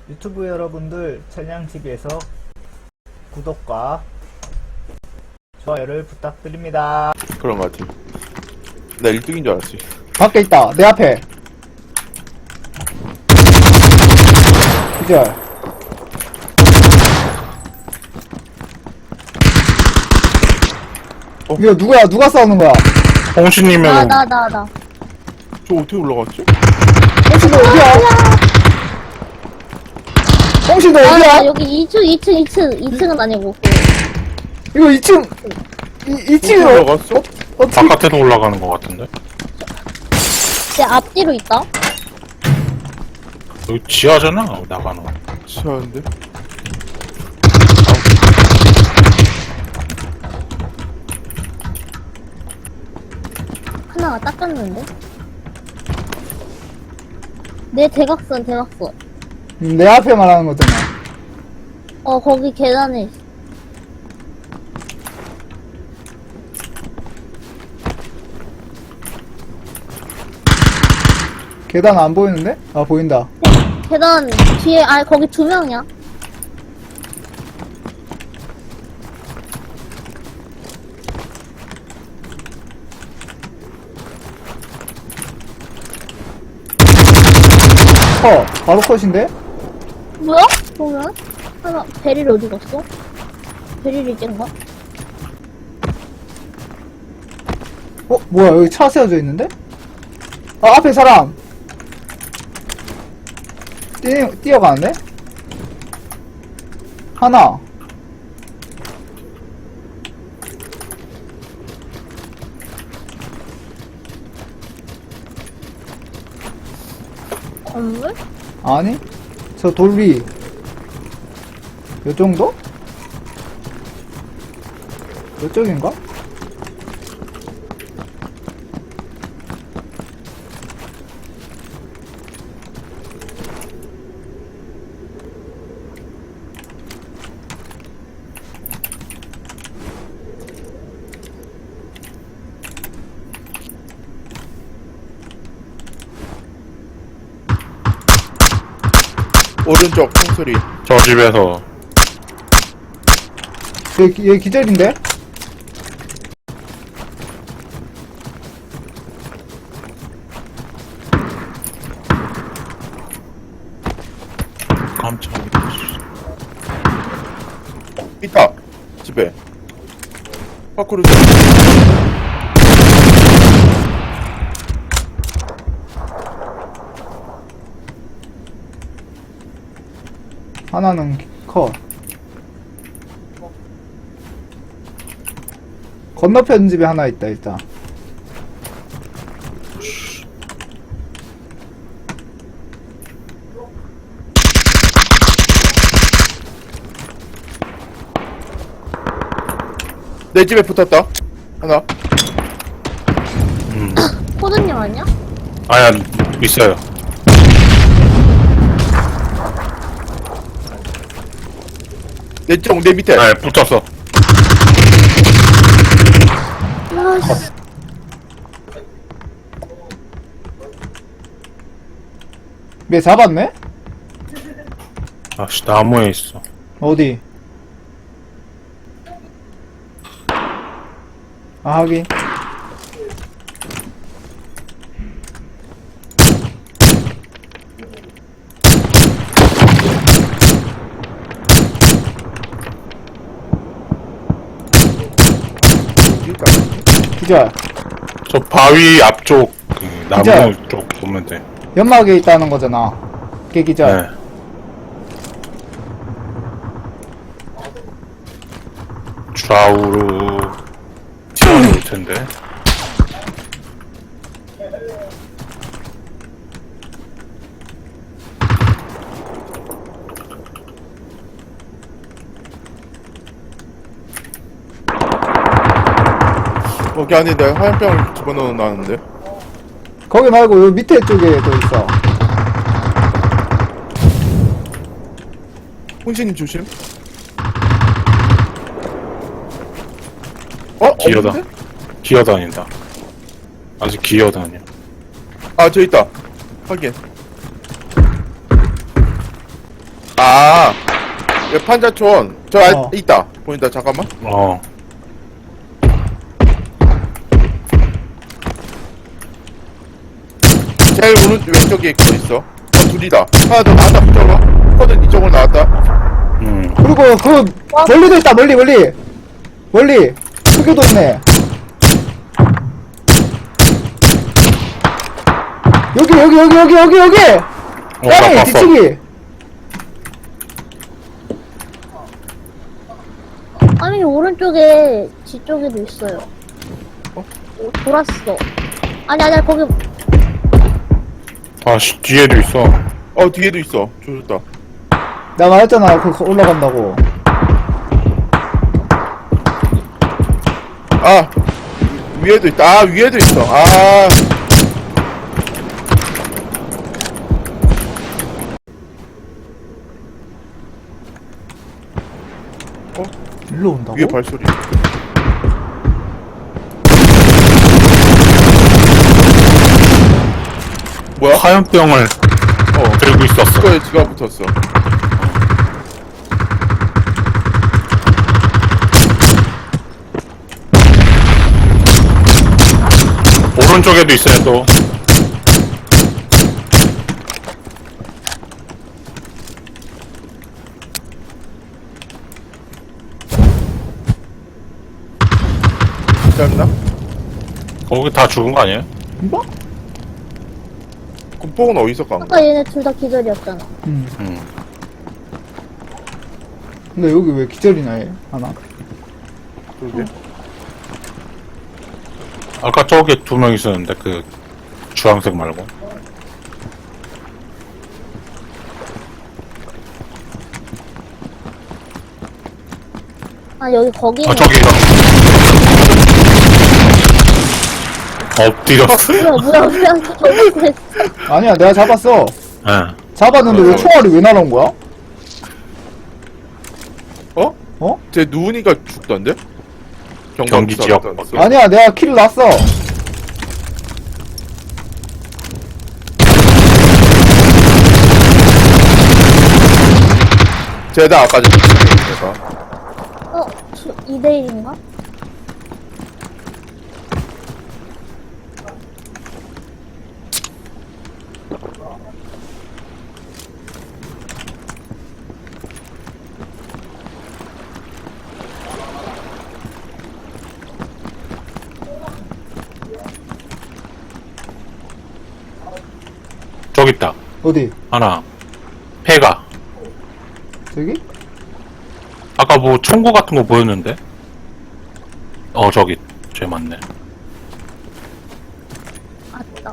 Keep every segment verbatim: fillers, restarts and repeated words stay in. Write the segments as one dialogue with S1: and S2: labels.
S1: 유튜브 여러분들 천냥티비에서 구독과 좋아요를 부탁드립니다.
S2: 그런 것 같아. 나 일 등인 줄 알았지.
S3: 밖에 있다. 내 앞에. 기절.
S2: 어?
S3: 이거 누구야? 누가 싸우는 거야?
S4: 홍신님은
S5: 나, 나, 나, 나.
S2: 저 어떻게 올라갔지?
S3: 홍신도 어디야? 홍신도
S5: 아,
S3: 어디야?
S5: 나 여기 이 층, 이 층, 이 층, 이 층은 아니고. 그
S3: 이거 이 층, 이, 이
S2: 어떻게
S3: 층으로.
S2: 올라갔어?
S3: 어떻게.
S4: 바깥에도 올라가는 것 같은데?
S5: 내 앞뒤로 있다?
S4: 여기 지하잖아, 나가는 거.
S2: 시원한데?
S5: 하나가 닦았는데? 내 대각선, 대각선.
S3: 음, 내 앞에 말하는 거잖아.
S5: 어, 거기 계단에 있어.
S3: 계단 안 보이는데? 아, 보인다.
S5: 계단 뒤에, 아, 거기 두 명이야.
S3: 컷. 바로 컷인데?
S5: 뭐야? 보면? 하나, 베릴 어디 갔어? 베릴 이젠가?
S3: 어, 뭐야, 여기 차 세워져 있는데? 아, 앞에 사람! 뛰, 뛰어가는데? 하나.
S5: 건물?
S3: 아니? 저 돌 위. 요 정도? 요쪽인가?
S2: 오른쪽 총소리.
S4: 저 집에서
S3: 얘, 얘 기절인데?
S4: 깜짝이야.
S2: 있다. 집에. 밖으로.
S3: 하나는 컷. 건너편 집에 하나 있다, 일단.
S2: 내 집에 붙었다. 하나.
S4: 음.
S5: 코드님 아니야?
S4: 아야, 있어요.
S2: 내 쪽, 내 밑에.
S4: 네, 붙었어.
S5: 아씨.
S3: 얘 잡았네?
S4: 아씨, 나무에 있어.
S3: 어디? 아, 하긴. 기절.
S4: 저 바위 앞쪽, 그 나무
S3: 진짜?
S4: 쪽 보면 돼.
S3: 연막에 있다는 거잖아. 걔 기절.
S4: 네. 좌우로 튀어나올 텐데.
S2: 거기 안에 내가 화염병을 집어넣어 놨는데.
S3: 거기 말고 요 밑에 쪽에도 있어.
S2: 혼신님 조심. 어?
S4: 기어다.
S2: 없는데?
S4: 기어다닌다. 아직 기어다녀.
S2: 아, 저 있다. 확인. 아, 여 판자촌. 저 아,
S3: 어.
S2: 있다. 보인다. 잠깐만.
S4: 어.
S2: 제일 오른 왼쪽에 거 있어. 어, 둘이다. 하나 더 나왔다. 붙어봐. 코든 이쪽으로 나왔다.
S4: 음.
S3: 그리고 그 멀리도 있다. 멀리 멀리 멀리 크게도 있네. 여기 여기 여기 여기 여기 여기.
S4: 어, 나
S3: 짱이
S4: 봤어.
S3: 뒤치기.
S5: 아니, 오른쪽에 뒤쪽에도 있어요.
S2: 어?
S5: 오, 돌았어. 아니, 아니, 거기,
S4: 아, 씨, 뒤에도 있어.
S2: 어, 뒤에도 있어. 조졌다.
S3: 나 말했잖아. 그 올라간다고.
S2: 아, 위에도 있다. 아, 위에도 있어. 아,
S3: 일로 온다고?
S2: 위에 발소리. 뭐야?
S4: 화염병을
S2: 어,
S4: 들고 있었어.
S2: 그거에 지가 붙었어.
S4: 오른쪽에도 있어요, 또.
S2: 짧나?
S4: 거기 다 죽은 거 아니에요?
S3: 뭐?
S2: 군폭은 어디서 간 거야?
S5: 아까 얘네 둘 다 기절이었잖아.
S3: 음.
S4: 음.
S3: 근데 여기 왜 기절이나 해? 하나.
S2: 그러게.
S4: 아까 저기 두 명 있었는데, 그, 주황색 말고.
S5: 아, 여기, 거기는.
S4: 아, 저기, 엎드렸어.
S5: 뭐야, 뭐야, 뭐야. 저기 그랬어.
S3: 아니야, 내가 잡았어.
S4: 예.
S3: 잡았는데 왜
S2: 어.
S3: 총알이 왜 날아온 거야?
S2: 어?
S3: 어?
S2: 쟤 누우니까 죽던데?
S4: 경기 지역.
S2: 나왔어.
S3: 아니야, 내가 킬을 났어.
S2: 쟤다 아까 전에 얘가.
S5: 어, 이 대 일인가?
S4: 저기 있다.
S3: 어디?
S4: 하나. 폐가.
S3: 저기?
S4: 아까 뭐 총구 같은 거 보였는데? 어, 저기. 쟤 맞네.
S5: 아따.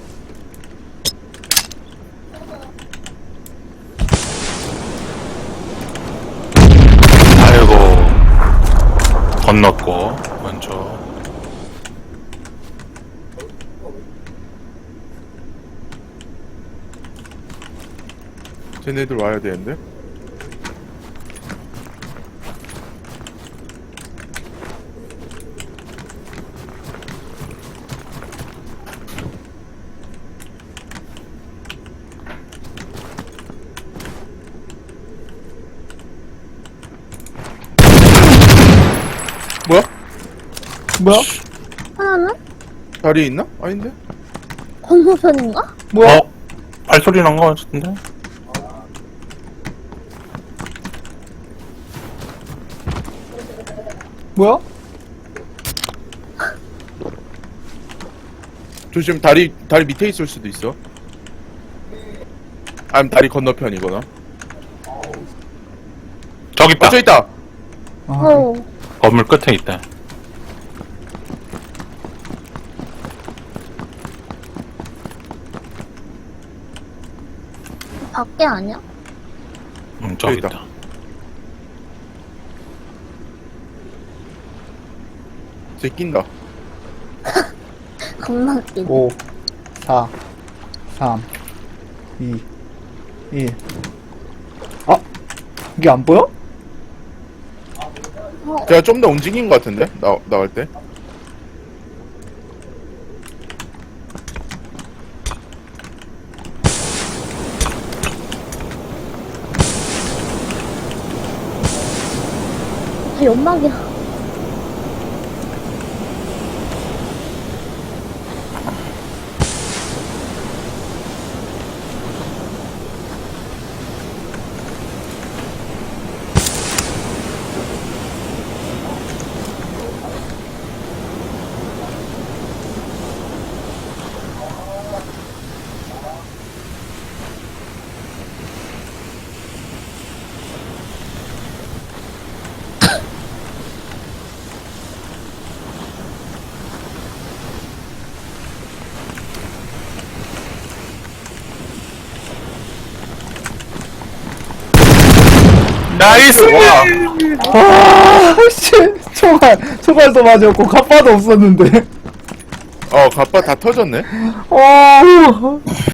S4: 아이고. 건넜고, 먼저.
S2: 쟤네들 와야 되는데? 뭐야?
S3: 뭐야?
S5: 하나는?
S2: 다리 있나? 아닌데?
S5: 건너편인가?
S3: 뭐야?
S4: 어? 발소리 난 거 같은데?
S3: 뭐야?
S2: 조심, 다리, 다리 밑에 있을 수도 있어. 아니면 다리 건너편이거나.
S4: 저기 있다.
S2: 어, 저 있다!
S3: 아,
S5: 어.
S4: 건물 끝에 있다.
S5: 밖에 아니야?
S4: 음, 저기
S2: 저기 있다.
S4: 있다.
S2: 쟤 낀다.
S5: 겁나 웃기네.
S3: 오, 사, 삼, 이, 일. 아, 이게 안 보여?
S2: 제가 좀 더 움직인 것 같은데? 나, 나갈 때?
S5: 다 연막이야.
S4: 나이스!
S3: 와, 씨. 총알, 총알도 맞았고, 갑바도 없었는데.
S2: 어, 갑바 다 터졌네.
S3: 어.